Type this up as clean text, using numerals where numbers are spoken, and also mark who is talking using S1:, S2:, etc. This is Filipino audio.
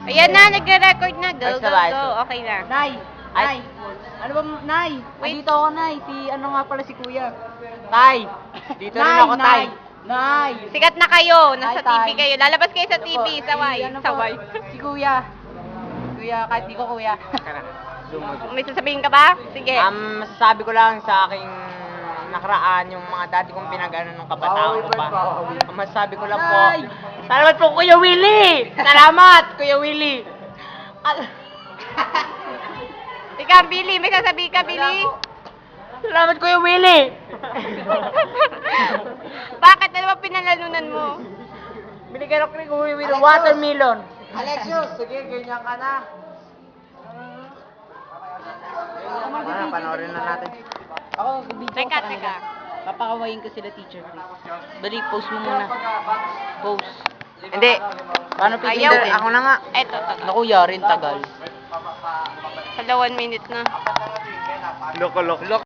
S1: Ayan na, nagre-record na. Go,
S2: Ay,
S1: go,
S2: sabay.
S1: go. Okay na.
S3: Nay!
S2: Ay.
S3: Nay! Ano ba, Nay?
S1: Wait.
S3: Dito ako, Nay. Si, ano nga pala si Kuya?
S2: Tay! Dito rin ako, tay.
S3: Nay!
S1: Sikat na kayo. Nasa
S3: Hi,
S1: TV
S3: Tay.
S1: kayo. Lalabas kayo sa
S3: Ito
S1: TV.
S3: po,
S1: Saway.
S3: si, ano po,
S1: Saway.
S3: Si Kuya. Kuya, kahit di ko Kuya.
S2: Zoom mo, zoom.
S1: May sasabihin ka ba? Sige.
S2: Masasabi ko lang sa aking nakaraan, yung mga dati kong pinag-ano nung kabataan ko pa. Ang masasabi ko lang po,
S3: Nay!
S2: salamat po Kuya Willie! Salamat Kuya Willie!
S1: Ikaw, Billy. May sasabihin ka, Billy?
S2: Salamat Kuya Willie!
S1: Bakit? Ano ba pinalalunan mo?
S2: Binigyan ako ni Kuya Willie watermelon.
S3: Alexios, sige, ganyan ka na.
S2: Panoorin na natin.
S3: Ako, video ko
S1: Teka,
S3: sa kanila.
S1: teka.
S3: Papakawain ko sila, teacher Chris. Dali, post mo muna. Post.
S2: Hindi.
S3: Paano
S1: Ayaw
S3: pipindutin?
S1: eh.
S2: Ako na nga.
S1: Eto, to.
S3: Naku, yarin, tagal.
S1: Sa 1 minute na.
S2: Loko.